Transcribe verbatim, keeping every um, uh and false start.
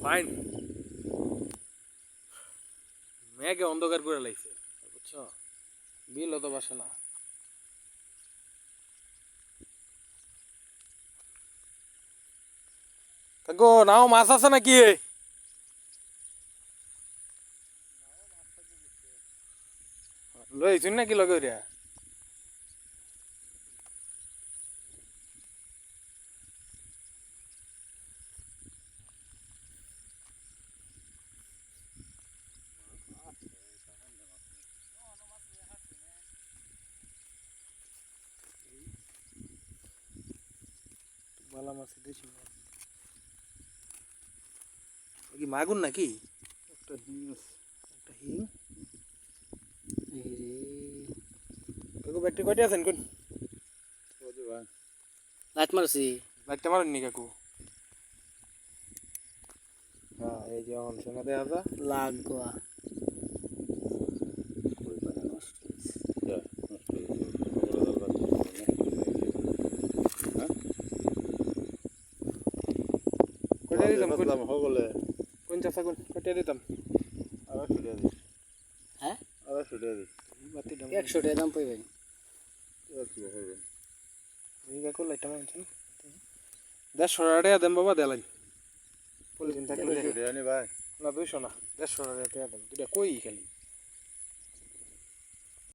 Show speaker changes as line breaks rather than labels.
fine মেঘে অন্ধকার করে লাগছে বুঝছো বিল তো বাসে না গো নাও মাছ আছে নাকি লইছুন নাকি লগে রে বালা মাছ দিছি কি মাগুর নাকি
একটা হিং
একটা হিং এই রে কাকু ব্যাগটি কয়টা আছেন কোন
ওদি ভাই
লাইট মারছি
ব্যাগটা মারেন নি কাকু হ্যাঁ এই যে অন শোনা দেয়া যা
লাগোয়া
কই পানি নষ্ট হইছে যা নষ্ট হইছে বড় দল হ্যাঁ
কয়টা দিতাম কোন
দাম হগলে
কোন চাচা কোন কয়টা দিতাম
আড়াইশো টাকা দিস
হ্যাঁ
আড়াইশো টাকা দিস
বাতি দাম
একশো টাকা দাম পাই ভাই
কি হবে
এই কাকু লাইটটা মারছেন দেড়শো টাকা দেন বাবা দেলাইন পলিথিন থাকলে
দেড়শো টাকা নি ভাই
না দুইশো না দেড়শো টাকা দেন দুটা কই খালি